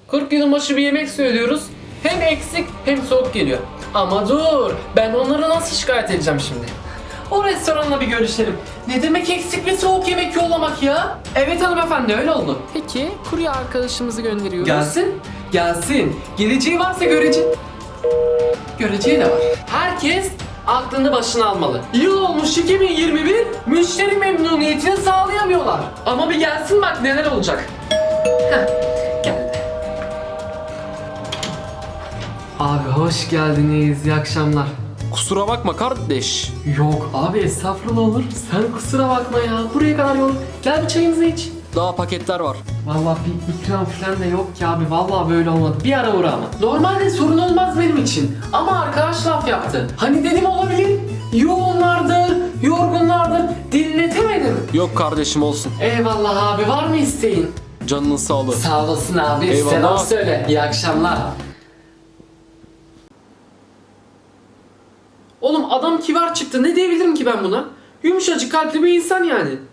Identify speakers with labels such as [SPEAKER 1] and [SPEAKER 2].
[SPEAKER 1] 40 yılbaşı bir yemek söylüyoruz. Hem eksik hem soğuk geliyor. Ama dur, ben onlara nasıl şikayet edeceğim şimdi? O restoranla bir görüşelim. Ne demek eksik ve soğuk yemek yollamak ya? Evet hanımefendi, öyle oldu.
[SPEAKER 2] Peki kurye arkadaşımızı gönderiyoruz.
[SPEAKER 1] Gelsin, gelsin. Geleceği varsa göreceği de var. Herkes aklını başına almalı. Yıl olmuş 2021, müşteri memnuniyetini sağlayamıyorlar. Ama bir gelsin bak neler olacak. Heh, geldi. Abi hoş geldiniz, iyi akşamlar.
[SPEAKER 2] Kusura bakma kardeş.
[SPEAKER 1] Yok abi estağfurullah olur. Sen kusura bakma ya. Buraya kadar yol. Gel bir çayımızı iç.
[SPEAKER 2] Daha paketler var.
[SPEAKER 1] Vallahi bir ikram falan da yok ki abi. Vallahi böyle olmadı. Bir ara uğra ama. Normalde sorun olmaz benim için. Ama arkadaş laf yaptı. Hani dedim olabilir. Yoğunlardır, yorgunlardır. Dinletemedim.
[SPEAKER 2] Yok kardeşim olsun.
[SPEAKER 1] Eyvallah abi. Var mı isteğin?
[SPEAKER 2] Canının sağlığı.
[SPEAKER 1] Sağ olasın abi.
[SPEAKER 2] Eyvallah.
[SPEAKER 1] Selam söyle. İyi akşamlar. Oğlum adam kibar çıktı. Ne diyebilirim ki ben buna? Yumuşacık kalpli bir insan yani.